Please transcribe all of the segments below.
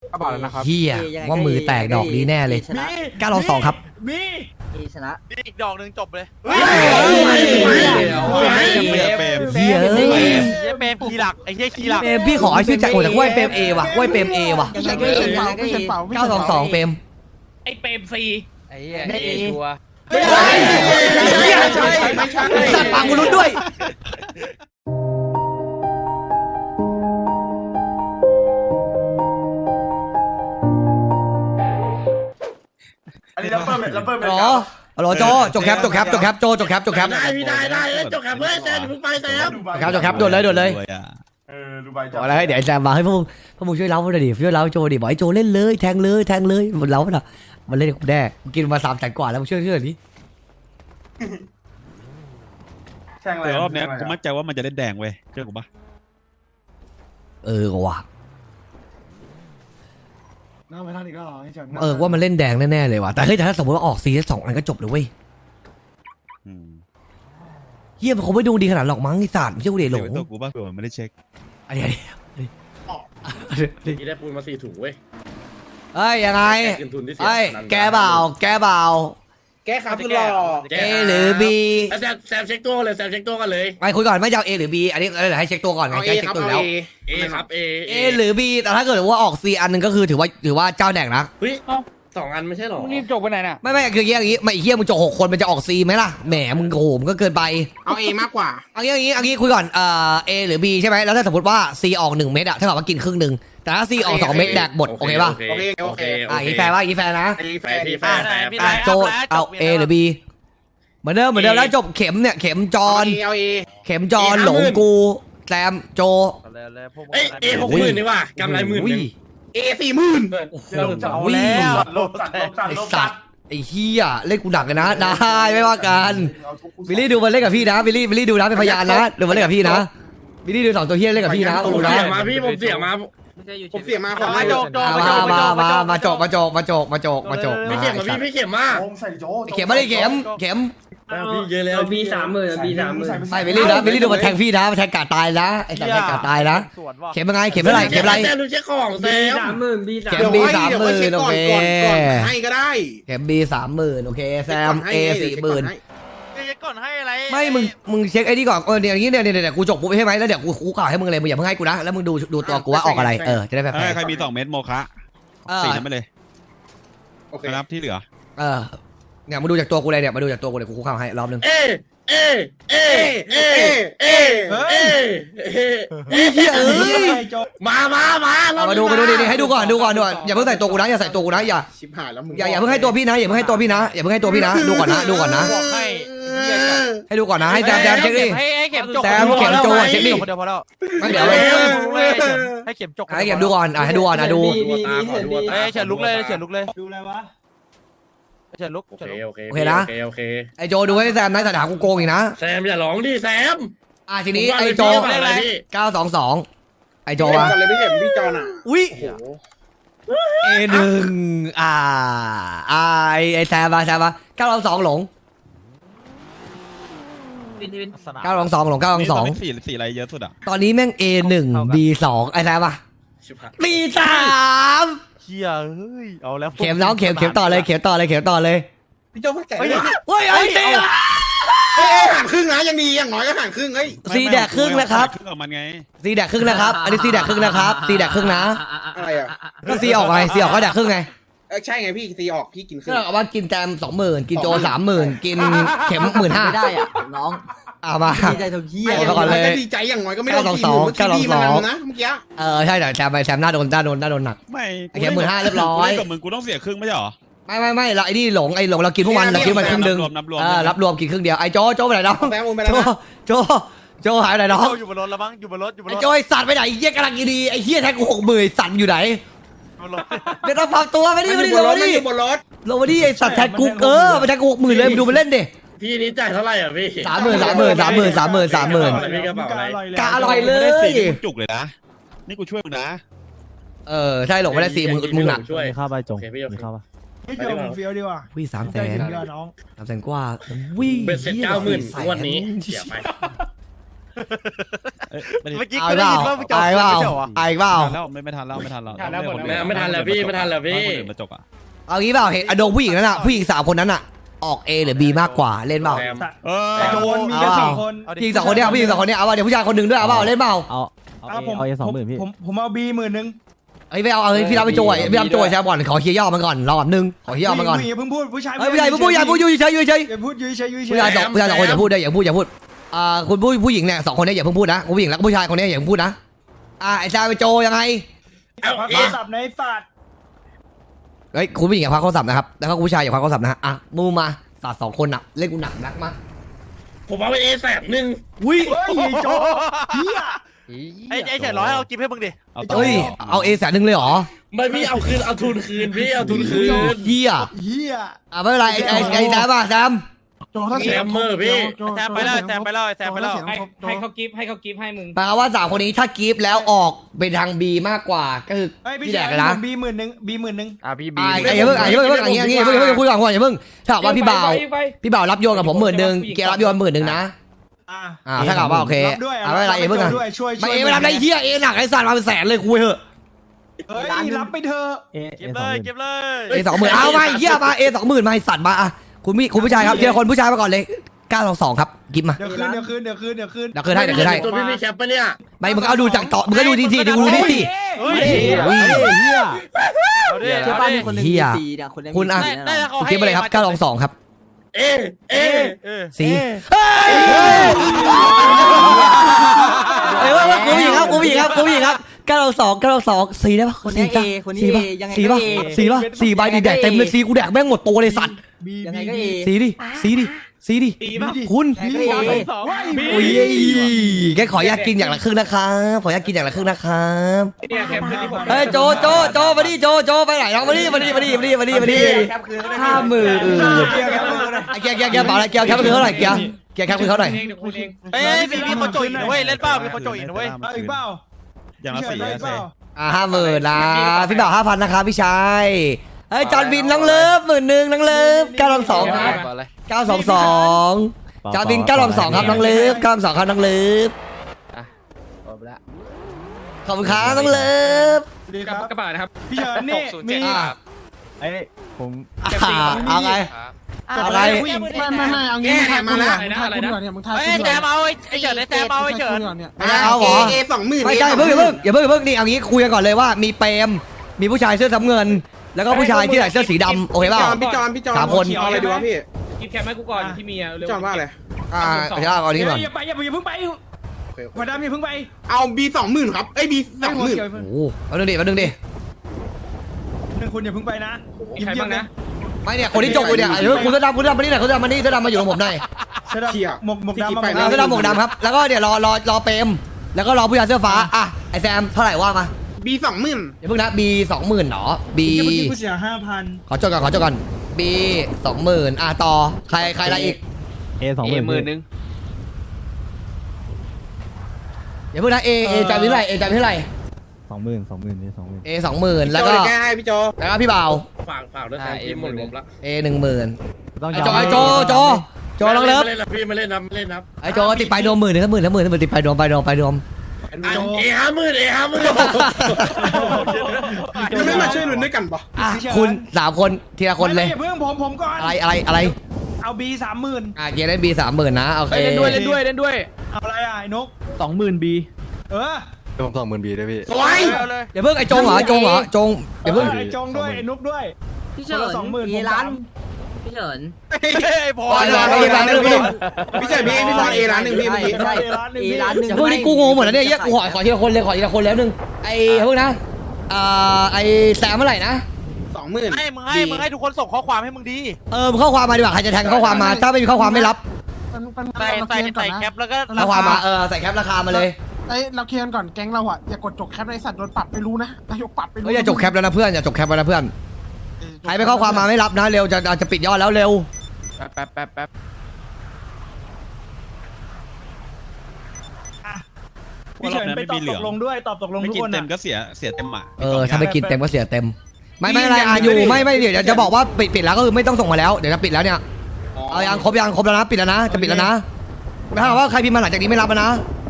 กระเป๋าแล้วนะครับเฮียว่ามือแตกดอกนี้แน่เลย922ครับมีชนะอีกดอกหนึ่งจบเลยเฮียเปรมคีย์หลักไอ้เหี้ยคีย์หลักเปรมพี่ขอชื่อจากโอ้แต่กล้วยเปรมเอว่ะกล้วยเปรมเอว่ะยังไงก็เอ 922เปรมไอ้เปรมซีไอ้เหี้ยเอชัวสัตว์ปากกูรุ้นด้วยอันนี้เราเปิดหรอหรอโจจบแคปโจจบแคปได้พี่ได้จบแคปเว้ยแซมเพิ่งไปแซมจบแคปโดดเลยดูใบจัอะไรเดี๋ยวไอ้แซมมาให้พวกมึงช่วยเล้าหน่อยดิช่วยเล้าโจดิบอกไอ้โจเล่นเลยแทงเลยมันเล้าน่ะมันเล่นกูแน่กินมา300,000กว่าแล้วมึงช่วยดิแช่งอะไรแต่รอบเนี้ยกูมั่นใจว่ามันจะเล่นแดงเว้ยเชื่อกูปะว่ะน้าไปท่านอีกแล้วให้จังว่ามันเล่นแดงแน่ๆเลยว่ะแต่เฮ้ยแต่ถ้าสมมติว่าออกซี2อันก็จบเลยเว้ยอืมเฮียมันคงไม่ดูดีขนาดหรอกมั้งไอ้สัตว์ไม่ใช่กูเดชหลเดี๋ยวงตัวกูปะเผื่อมันไม่ได้เช็คอันนี้นี่ได้ปูนมา4 ถุงเว้ยเอ้ยยังไงเงินทุนที่เสียเอ้ยแกเบาแก้ครับคุณหล่อ A หรือ B แซมเช็คตัวเลยแซมเช็คตัวกันเลยไปคุยก่อนไม่จะเอา A หรือ B อันนี้เดี๋ยวให้เช็คตัวก่อนไงเอาแกเอเช็คครับตัวเอาแล้วเอครับเอ A หรือ B แต่ถ้าเกิดว่าออก C อันหนึงก็คือถือว่าเจ้าแดกนะเฮ้ย2 อันไม่ใช่หรอรีบจบไปไหนน่ะไม่คืออย่างงี้ไม่เฮียมึงจบ6 คนมันจะออก C ไหมล่ะแหมมึงโหมก็เกินไปเอาเอมากกว่าเอางี้คุยก่อนA หรือ B ใช่ไหมแล้วถ้าสมมติว่า C ออก 1 เม็ดอะถ้ากับว่ากินครึ่งหนึ่งแต่ถ้า C ออก 2 เม็ดแดกหมดโอเคป่ะโอเคอย่างงี้แฟร์ป่ะอย่างงี้แฟร์นะแฟร์พี่แฟร์โจเอา A หรือ B เหมือนเดิมแล้วจบเข็มเนี่ยเข็มจอนเอาเอเข็มจอนหลงกูแซมโจเอ้ยเอ60,000นี่ว่ะกำไร10,000นึงเอ40,000 จะเอาแล้วโลจัดไอสัตว์ไอเฮียเล่นกูหนักเลยนะได้ไม่ว่ากันวิลลี่ดูมันเล่นกับพี่นะวิลลี่ดูนะเป็นพยานนะดูมันเล่นกับพี่นะวิลลี่ดู2 ตัวเฮียเล่นกับพี่นะผมดูนะเสียมาพี่ผมเสียมาขอให้มาจกไม่เข็มมาพี่เข็มมาใส่โจเข็มไม่ได้เข็มพี่เยอะแล้วบี30,000 ไม่วิลลี่นะวิลลี่ดูมันแทงพี่นะมันแทงกาดตายนะไอสัตว์แทงกาดตายนะเข็มยังไงเข็มเท่าไหร่เข็มอะไรแซมดูเช็คของแซมเข็ม B 30,000โอเคให้ก็ได้เข็ม B 30,000โอเคแซม A 40,000 ก่อนให้อะไรไม่มึงเช็คไอ้นี่ก่อนเดี๋ยวอย่างนี้เนี่ยกูจบปุ๊บใช่ไหมแล้วเดี๋ยวกูกล่าวให้มึงเลยมึงอย่าเพิ่งให้กูนะแล้วมึงดูตัวกูว่าออกอะไรจะได้แฟร์ใครมี2 เม็ดโมคะ4นั้นไปเลยโอเคนะครับที่เหลือเนี่ยมาดูจากตัวกูเลยเนี่ยมาดูจากตัวกูเลยกูคุกเข่าให้รอบนึงเมาดูดิให้ดูก่อนอย่าเพิ่งใส่ตัวกูนะอย่าใส่ตัวกูนะอย่าชิบหายแล้วมึงอย่าเพิ่งให้ตัวพี่นะอย่าเพิ่งให้ตัวพี่นะดูก่อนนะบอกให้ดูก่อนนะให้แซมเช็คดิให้เข็มจกแซมเข็มโจเช็คดิเดี๋ยวพอแล้วไม่เดี๋ยวให้เข็มจกให้เข็มดูก่อนให้ดูก่อนนะดูเฮ้ยเฉินลุกเลยดูอะไรวะเฉินลุกโอเคไอโจดูให้แซมนะแต่ถามกูโกงอีกนะแซมอย่าร้องดิแซมทีนี้ไอโจ922ไอโจวะเลยพี่เข็มพี่จอนอ่ะอุ้ย A1 ไอแซมมา922หลง922หลงนี่ตอนนี้สีอะไรเยอะสุดอ่ะตอนนี้แม่ง A1 B2 ไอแซมมา B3 เฮียเฮ้ยเอาแล้วเข็มน้องเข็มต่อเลยพี่โจพักแก่เฮ้ยไอ้ตีห่างครึ่งนะยังดีอย่างน้อยก็ห่างครึ่งเฮ้ยซีแดกครึ่งนะครับครึ่งของมันไงซีแดกครึ่งนะครับอันนี้ซีแดกครึ่งนะครับซีแดกครึ่งนะอะไรอ่ะก็ซีออกไงซีออกก็แดกครึ่งไงใช่ไงพี่ตีออกพี่กินครึ่ก็งเอาว่ากินแซม20,000กินโจ30,000กินเข็ม15,000 ไม่ได้อ่ะน้องเอามาดีใจทุกที่เอาก่อนเลยดีใจอย่างน้อยก็ไม่โดน4 0,000เมื่อกี้ดีมันนะเมื่อกี้ใช่แต่แซมหน้าโดนหนักไม่เข็ม15,000เรียบร้อยกับมึงกูต้องเสียครึ่งไม่ใช่หรอไม่เราไอ้นี่หลงเรากินพวกมันเรากินมันครึ่งนึงนับรวมรับรวมกินครึ่งเดียวไอ้โจไปไหนน้องแซมไปแล้วนะโจหายไปไหนน้องอยู่บนรถแล้วมั้งอยู่บนรถไอ้โจไอ้สัตว์ไปไหนเฮียกำลังดีไอ้เฮียแท็กกู60,000สัตว์อยู่ไหนบนรถเดี๋ยวต้องฟังตัวไม่ได้ลงมาดิบนรถลงมาดิไอ้สัตว์แท็กกูไปแท็กกู60,000เลยดูมันเล่นดิพี่นี่จ่ายเท่าไหร่อ่ะพี่ 30,000 พี่กระเป๋าอะไรกะอร่อยเลยจุกเลยนะนี่กูช่วยมึงนะใช่หลงไม่ได้4มึงหนักช่วยข้าวใบจงโอเคพี่โอเคข้าวปะไม่เกี่ยวผมเฟี้ยวดีกว่าวิ่ง300,000 น้อง 300,000กว่าวิ่งเบ็ดเสร็จ90,000วันนี้เสียไปเมื่อกี้เอากูเปได้ล่ายินว่ามึงจะเอาเปล่าไม่ใช่เหรอวะเอาเปล่าแล้วไม่ทันแล้วไม่ทันแล้วไม่ทันแล้วพี่ไม่ทันแล้วพี่คนอื่นมาจกอ่ะเอางี้เปล่าเห็นอโดงผู้หญิงนั้นอ่ะผู้หญิง3 คนนั้นอ่ะออก A หรือ B มากกว่าเล่นเปล่าเออแต่โดนมีแค่เอา 4 คนผู้หญิง2 คนเนี้ยผู้หญิง2 คนเนี้ยเอาเปล่าเดี๋ยวผู้ชายคนหนึ่งด้วยเอาเปล่าเล่นเปล่าผมเอาบี10,000 เฮ้ยไม่เอาพี่รับไปโจยพี่รับโจยแชร์บอลขอเคลียร์ย่อมันก่อนรอแบบนึงขอเคลียร์ย่อมันก่อนอย่าเพิ่งพูดผู้ชายเฮ้ยผู้ใหญ่ผู้ใหญ่อยู่เฉยอยู่เฉยอย่าพูดอยู่เฉยอยู่เฉผู้ยชาย2 คนอย่าพูดด้วยอย่าพูดคุณผู้หญิงเนี่ย2 คนเนี้ยอย่าเพิ่งพูดนะผู้หญิงแล้วก็ผู้ชายคนเนี้ยอย่าเพิ่งพูดนะไอ้ชายไปโจยังไงพักโทรศัพท์ในฝาดเฮ้ยคุณผู้หญิงอย่าควักโทรศัพท์นะครับแล้วก็ผู้ชายอย่าควักโทรศัพท์นะอ่ะมูมาสาด2 คนอ่ะเล่นกูหนักนักมาผมเอาไปเอแสบหนึ่งอุ้ยเฮ้ยโจเฮียไอ้เฉยร้อยเอากิฟให้มึงดิเฮ้ยเอา A 100,000เลยเหรอไม่พี่เอาคืนเอาทุนคืนพี่เอาทุนคืนเฮียเฮียไม่เป็นไรไอ้แซมป่ะแซมโจถ้าเสียงแซมไปแล้วแซมไปแล้วแซมไปแล้วให้เขากิฟให้มึงแปลว่า3 คนนี้ถ้ากีฟแล้วออกเป็นทาง B มากกว่าก็คือเฮ้ยพี่พี่แดแดกกเลยนะบี10,000 พี่บีอย่าเพิ่งอย่างงี้คุยก่อนอย่าเพิ่งถ้าว่าพี่บ่าวรับโยนกับผม10,000เกียร์รับโยน10,000นะถ้ากับว่าโอเคด้วยไม่เป็นไรเพิ่งด้วยช่วยไม่รับได้เฮียเอหนักไอ้สัตว์มาเป็นแสนเลยคุยเถอะเฮ้ยรับไปเถอะเก็บเลยเก็บเลย A 20,000เอามาเฮียมา A 20,000มาไอ้สัตว์มาคุณผู้ชายครับทีละคนผู้ชายมาก่อนเลย922ครับกิฟมาเดี๋ยวคืนเดี๋ยวคืนให้ตัวพี่มีแคปปะเนี่ยไม่มึงเอาดูจากต่อมึงก็ดูดีดูนี่สิเฮ้ยเฮียเอาดิเชื่อเอาป้าดิมีคนหนึงเหี้ยมี4เนี่ยคนหนึงคุณอะมีได้ 4 แล้วเขาให้กิฟไปเลยครับ922ครับเอสีเฮ้ยว่ากูผู้หญิงครับ922สีได้ปะคนนี้ A คนนี้ A ยังไงสีก็ป่ะ A สีใบดีแดกเต็มเลยสีกูแดกแม่งหมดตัวเลยสัตว์ยังไงก็ A สีดิคุณยังไงก็ A อุ้ยแกขออยากกินอย่างละครึ่งนะครับเนี่ยแคปคืนที่ผมเฮ้ยโจมาดิโจไปไหนน้องมาดิ50,000ไอ้เกียร์เปล่าอะไรเกียร์แคปคือเท่าไหร่เกียร์แคปคือเท่าไหร่เดี๋ยวคุณเองเอ้ยมีคนโจยอีกนะเว้ยเล่นเปล่ามีคนโจยอีกนะเว้ยเอาอีกเปล่าอย่างละสี่อีกเปล่า 50,000นะพี่บ่าว5,000นะครับพี่ชายเฮ้ยจอนบินน้องเลิฟ10,000น้องเลิฟ922ครับก่อนเลย 922จอนบิน922ครับน้องเลิฟ922ครับน้องเลิฟจบละขอบคุณครับน้องเลิฟดีครับกระบะนะครับพี่เฉินนี่มีเอาไง อะไรไม่เอางี้ถ่ายมาแล้วถ่ายคุณก่อนเนี่ยมึงถ่ายเฮ้ยแซมเอาไอ้เฉินไอ้แซมเอาไอ้เฉินไม่ได้เอาเหรอเอ20,000 ไม่ใช่อย่าเพิ่งนี่เอางี้คุยกันก่อนเลยว่ามีเปรมมีผู้ชายเสื้อน้ำเงิน แล้วก็ผู้ชายที่ใส่เสื้อสีดำโอเคเปล่าพี่จอน 3 คนเอาอะไรดีวะพี่กิฟแคปให้กูก่อนที่มีเร็วจอนว่าอะไรเอานี้ก่อนอย่าเพิ่งไปหัวดำอย่าเพิ่งไปเอา B20,000 ครับเอ้ย B20,000 โอ้โหมาดึงดิ 1คุณอย่าเพิ่งไปนะมีใครบ้างนะไม่เนี่ยคนที่จกอยู่เนี่ยเดี๋ยวคุณเสื้อดำมานี่หน่อยคุณเสื้อดำมานี่เสื้อดำมาอยู่กับผมหน่อยเสื้อดำหมวกดำเสื้อดำหมวกดำครับแล้วก็เดี๋ยวรอเปรมแล้วก็รอผู้ชายเสื้อฟ้าอ่ะไอแซมเท่าไหร่ว่ามา B20,000 อย่าเพิ่งนะ B 20,000หรอ B เมื่อกี้กูเสีย5,000 ขอจดก่อน B 20,000ต่อใครอะไรอีกเอ10,000 อย่าเพิ่งนะ A จ่ายเท่าไหร่ A จ่ายเท่าไหร่ A 20,000แล้วก็แก้ให้พี่โจแล้วก็พี่บ่าวฝากด้วยครับพี่หมดงบละ A 10,000ไอโจน้องเลิฟไม่เล่นนะพี่ไม่เล่นนะไอโจติดไปโดม10,000ติดไปโดม A50,000 ยังไม่มาช่วยลุ้นด้วยกันปะคุณ3 คนทีละคนเลยอย่าเพิ่งผมก่อนอะไรเอา B 30,000 เกียร์เล่น B 30,000นะโอเคเล่นด้วยเอาอะไรอ่ะไอ้นก 20,000 B เออสวยเอาเลยอย่าเพิ่งไอจงเหรอจงอย่าเพิ่งไอ้จงด้วยไอ้นุกด้วยพี่เฉินคนละ20,000 A ล้านพี่เฉินไอ้พอพี่เจ๋พี่จอน A ล้านหนึ่งพี่เมื่อกี้ใช่ A ล้านหนึ่งอย่าเพิ่งนี่กูงงหมดแล้วเนี่ยเหี้ยกูขอทีละคนแล้วนึงไอ้เพิ่งนะไอ้แซมเมื่อไหร่นะ 20,000 มึงให้ทุกคนส่งข้อความให้มึงดีมึงข้อความมาดีกว่าใครจะแทงข้อความมาถ้าไม่มีข้อความไม่รับใส่แคปแล้วก็ข้อความมาใส่แคปราคามาเลยเราเคลียร์ก่อนแก๊งเราอ่ะอย่ากดจกแคปในสัตว์โดนปรับไปรู้นะนายกปรับไปรู้อย่าจบแคปแล้วนะเพื่อนอย่าจบแคปแล้วนะเพื่อนใครไม่ข้อความมาไม่รับนะเร็วจะปิดยอดแล้วเร็วแป๊บพี่เฉินไปตอบตกลงด้วยตอบตกลงไม่ทุกกินคนเต็มอ่ะก็เสียเต็มอ่ะถ้าไม่กินเต็มก็เสียเต็มไม่อะไรอยู่ไม่เดี๋ยวจะบอกว่าปิดแล้วก็คือไม่ต้องส่งมาแล้วเดี๋ยวจะปิดแล้วเนี่ยเอายังครบแล้วนะปิดแล้วนะจะปิดแล้วนะไม่ถ้าว่าใครพิมพ์มาหลังจากนี้ไม่รับนะ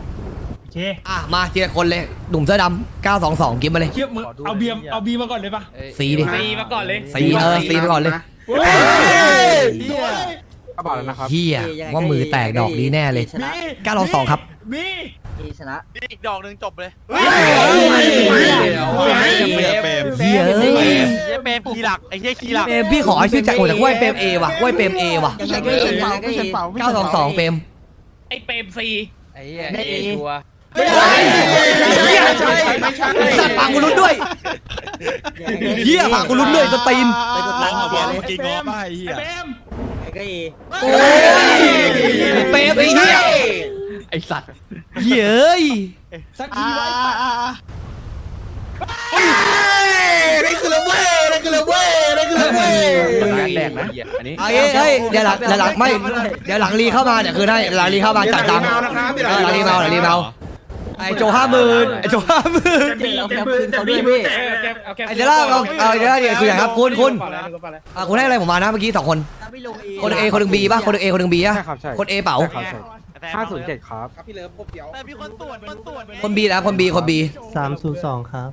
เคอ่ะมาทีละคนเลยหนุ่มเสื้อดำ922กิฟมาเลยเทียบมึงเอาเบียมเอาบีมาก่อนเลยปะสีดิตีมาก่อนเลยสีสีไปก่อนเลยก็บอกแล้วนะครับเฮียว่ามือแตกดอกนี้แน่เลยชนะ 922ครับบีเอชนะอีกดอกหนึ่งจบเลยเปรมเฮียเอ้ยเหี้ยเปรมคีย์หลักไอ้เหี้ยคีย์หลักเปรมพี่ขอให้ชื่อจากหัวจากกล้วยเปรมเอว่ะกล้วยเปรมเอว่ะยังไงก็เอยังไงก็เอ 922เปรมไอ้เปรมซีไอ้เหี้ยได้เอชัวร์สัตว์ปากกูลุ้นด้วยเฮียปากกูลุ้นด้วยสตีนไปกดร้ไลองค์มาเบีบยอกร์เลยเมื่อกี้ง้อป้าไอ้เหี้ยเปมยังไงก็เอโอ้ยเปรมไอ้เฮียไอสัตว์เฮียเอ้ยสักทีไว้ได้คือแล้วเว้ยได้คือแล้วเว้ยได้คือแล้วเว้ยร้านแดกนะอันนี้เฮ้ยเดี๋ยวหลังไม่เดี๋ยวหลังรีเข้ามาเดี๋ยวคืนให้หลังรีเข้ามาจ่ายตังค์หลังรีเมาไอ้โจ50,000ไอ้โจ50,000 เราแคปคืนเขาด้วยพี่ไอ้เดี๋ยวเอาเดี๋ยวคืออย่างครับคุณคุณให้อะไรผมมานะเมื่อกี้2คนถ้าไม่ลงคนเอคนหนึ่งบีป่ะคนหนึ่งเอคนหนึ่งบีป่ะใช่ครับใช่คนเอเป๋า 507ครับแต่มีคนตรวจไงคนบีนะคนบี 302ครับ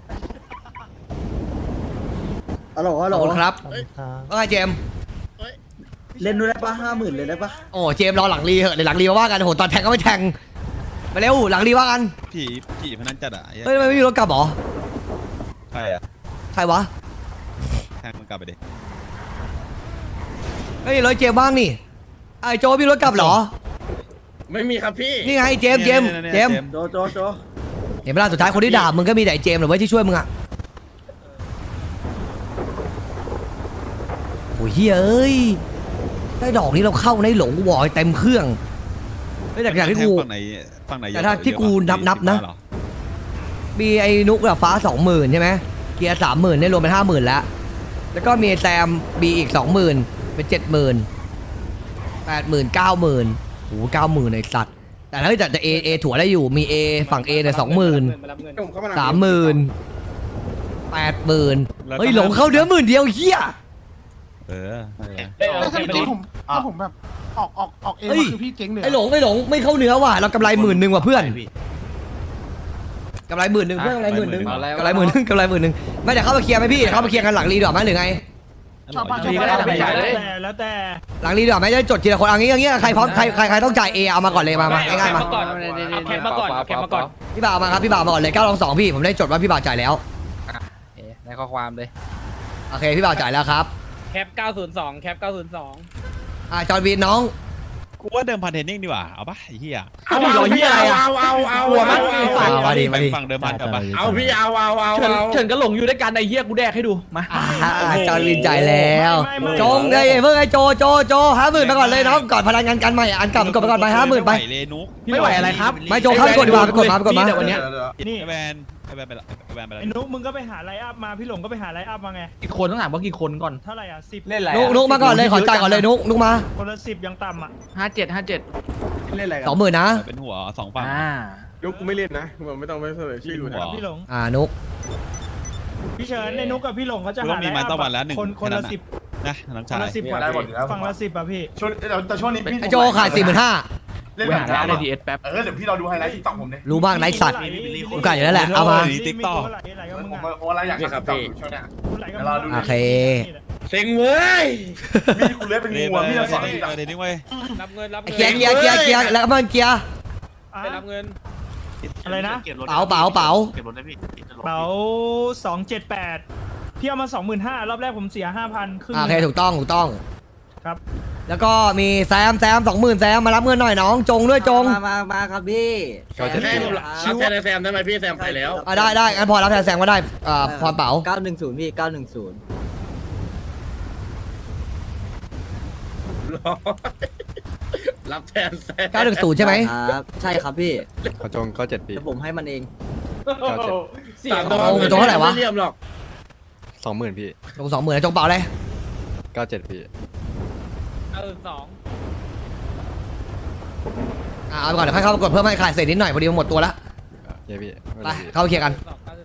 ฮัลโหลฮัลขโหลอบคุณครับว่าไงเจมส์เล่นด้วยได้ปะ50,000เลยได้ปะโอ้เจมส์รอหลังรีเหอะเดี๋ยวหลังรีมาว่ากันโหตอนแทงก็ไม่แทงมาเร็วหลังรีว่ากันผีพนันจัดอ่ะเฮ้ยทำไมไม่มีรถกลับหรอใครอ่ะใครวะแทงมันกลับไปดิเฮ้ยรถเจมส์บ้างนี่ไอ้โจมีรถกลับเหรอไม่มีครับพี่นี่ไงเจมส์โจเห็นเวลาสุดท้ายคนที่ด่ามึงก็มีแต่ไอ้เจมส์เหรือว่าที่ช่วยมึงอะโอ้ยเฮ้ยเอ้ยได้ดอกนี้เราเข้าในหลงวอยเต็มเครื่องไม่แต่อย่างที่กูฝั่งไหนแต่ถ้าที่กูนับนะ มีไอ้นุกอะฟ้า 20,000ใช่ไหมเกียร์30,000เนี่ยรวมเป็น50,000แล้วแล้วก็มีแซมบีอีก 20,000เป็น 70,000 80,000 90,000โอ้โห90,000ไอ้สัตว์แต่ถ้าจะเอถั่วได้อยู่มี A ฝั่ง A เนี่ย20,000 30,000 80,000เฮ้ยหลงเข้าเดือ10,000เดียวเฮียถ้าผมแบบออกเองคือพี่เจ๊งเลยไอ้หลงไม่เข้าเนื้อว่ะเรากำไร10,000ว่ะเพื่อนกำไร10,000เพื่อนกำไร10,000กำไร10,000ไม่แต่เข้ามาเคลียร์ไหมพี่เข้ามาเคลียร์กันหลังรีดอกไหมหรือไงชาวบ้านแล้วแต่หลังรีดอกไหมจะจดทีละคนเอางี้ใครพร้อมใครต้องจ่าย A เอามาก่อนเลยมาง่ายๆมาแคปมาก่อนแคปมาก่อนพี่บ่าวมาครับพี่บ่าวมาก่อนเลย922พี่ผมได้จดว่าพี่บ่าวจ่ายแล้วในข้อความเลยโอเคพี่บ่าวจ่ายแล้วครับแคป902แคป902 จอร์นวีนน้องกูว่าเดิมพันเทนนิ่งดีกว่าเอาปะไอ้เหี้ยเอาหัวมันมาดิฝั่งเดิมพันกับปะเอาพี่เอาเฉินก็หลงอยู่ด้วยกันไอ้เหี้ยกูแดกให้ดูมาจอร์นวีนจ่ายแล้วจงเลยเพิ่งไอ้โจ50,000ไปก่อนเลยน้องก่อนพนันงานกันใหม่อันกลับก่อนไปก่อนไป50,000ไปเลยนุ๊กไม่ไหวอะไรครับไม่โจเข้าไปกดดีกว่าไปกดมาเดี๋ยววันเนี้ยนี่ไอ้แวนไปแล้วไอ้นุ๊กมึงก็ไปหาไลน์อัพมาพี่หลงก็ไปหาไลน์อัพมาไงกี่คนต้องถามว่ากี่คนก่อนเท่าไหร่อ่ะ10 เล่นอะไรนุกมาก่อนเลยขอจ่ายก่อนเลยนุกมาคนละ10ยังต่ำอ่ะ 57 เล่นอะไรกัน 20,000นะเป็นหัว2ฝั่งยุคกูไม่เล่นนะผมไม่ต้องไปเสนอชื่ออยู่นะพี่หลงนุกพี่เฉินในนุ๊กกับพี่หลงเขาจะกูหาต้องมีมาตะวันแล้ว1 คนละ10 นะน้องคชาน ยละ10กว่าฝั่งละ10อ่ะพี่ช่วงแต่ช่วงนี้พี่ไอ้โจขาย45,000 เล่นไปแบบหานี้ได้ดีเอสแป๊บเดี๋ยวพี่เราดูไฮไลท์ติ๊กต็อกผมเนี่ยรู้บ้างไอ้สัตว์กูกะอยู่แล้วแหละเอามาติ๊กต็อกผมอะไรอยากทำติ๊กต็อกช่วงเนี้ย โอเคเซ็งเว้ยมีดกูเลื้อยเป็นงูมีดเราสอนติ๊กต็อกเดี๋ยวนี้เว้ยรับเงินรับเกียร์แล้วมันเกียร์ไปรับเงินอะไรนะเป๋าเป๋า278พี่เอามา 25,000รอบแรกผมเสีย 5,000ครึ่งโอเคถูกต้องครับแล้วก็มีแซม20,000แซมมารับเงินหน่อยน้องจงด้วยจงมาครับพี่แซมแซมได้ไหมพี่แซมไปแล้วได้งั้นพอรับแทนแซมก็ได้พรเป๋า 910พี่910 รับแทนแซม 910ใช่ไหมครับใช่ครับพี่ขอจงก็7 ปีแต่ผมให้มันเองจงเท่าไหร่วะไม่เรียมหรอก 20,000 พี่จง20,000จงเป๋าเลย 97 พี่เอาไปก่อนเดี๋ยวค่อยเข้ามากดเพิ่มให้ขายเศษนิดหน่อยพอดีมันหมดตัวแล้วเย้พี่ไปเข้าไปเคลียร์กัน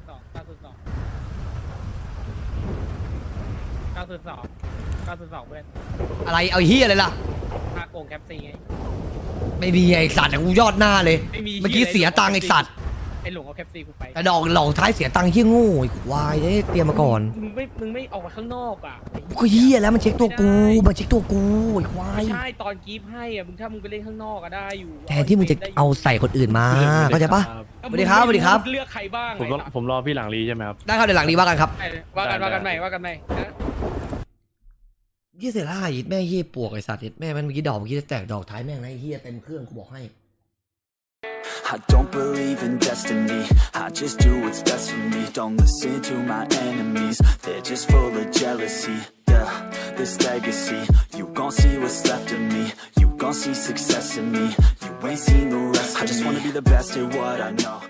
902เพื่อนอะไรเอาเฮียอะไรล่ะค่าโกงแคปซีไงไม่มีไอสัตว์กูยอดหน้าเลยไม่มีเมื่อกี้เสียตังค์ไอสัตว์ไอ้หลงเอาแคปซีกูไปแต่ดอกหลอกท้ายเสียตังค์เฮี้ยโง่ไอ้ควายเอ้ยเตรียมมาก่อนมึงไม่ออกมาข้างนอกอ่ะก็เฮี้ยแล้วมันเช็คตัวกูมันเช็คตัวกูไอ้ควายไม่ใช่ตอนกีฟให้อ่ะถ้ามึงไปเล่นข้างนอกก็ได้อยู่แทนที่มึงจะเอาใส่คนอื่นมาเข้าใจปะ สวัสดีครับสวัสดีครับเลือกใครบ้างผมรอพี่หลังรีใช่ไหมครับได้ครับเดี๋ยวหลังนี้ว่ากันครับว่ากันใหม่นะยี่เสียล่ายิดแม่เฮี้ยปวกไอ้สัตว์ยิดแม่มันเมื่อกี้ดอกเมื่อกี้จะแตกดอกท้ายแม่งนะไอ้เฮี้ยเต็มเครื่องกูบอกให้ I don't believe in destiny, I just do what's best for me. Don't listen to my enemies, they're just full of jealousy. Yeah, this legacy, you gon' see what's left of me. You gon' see success in me, you ain't seen the rest of me. I just wanna be the best at what I know.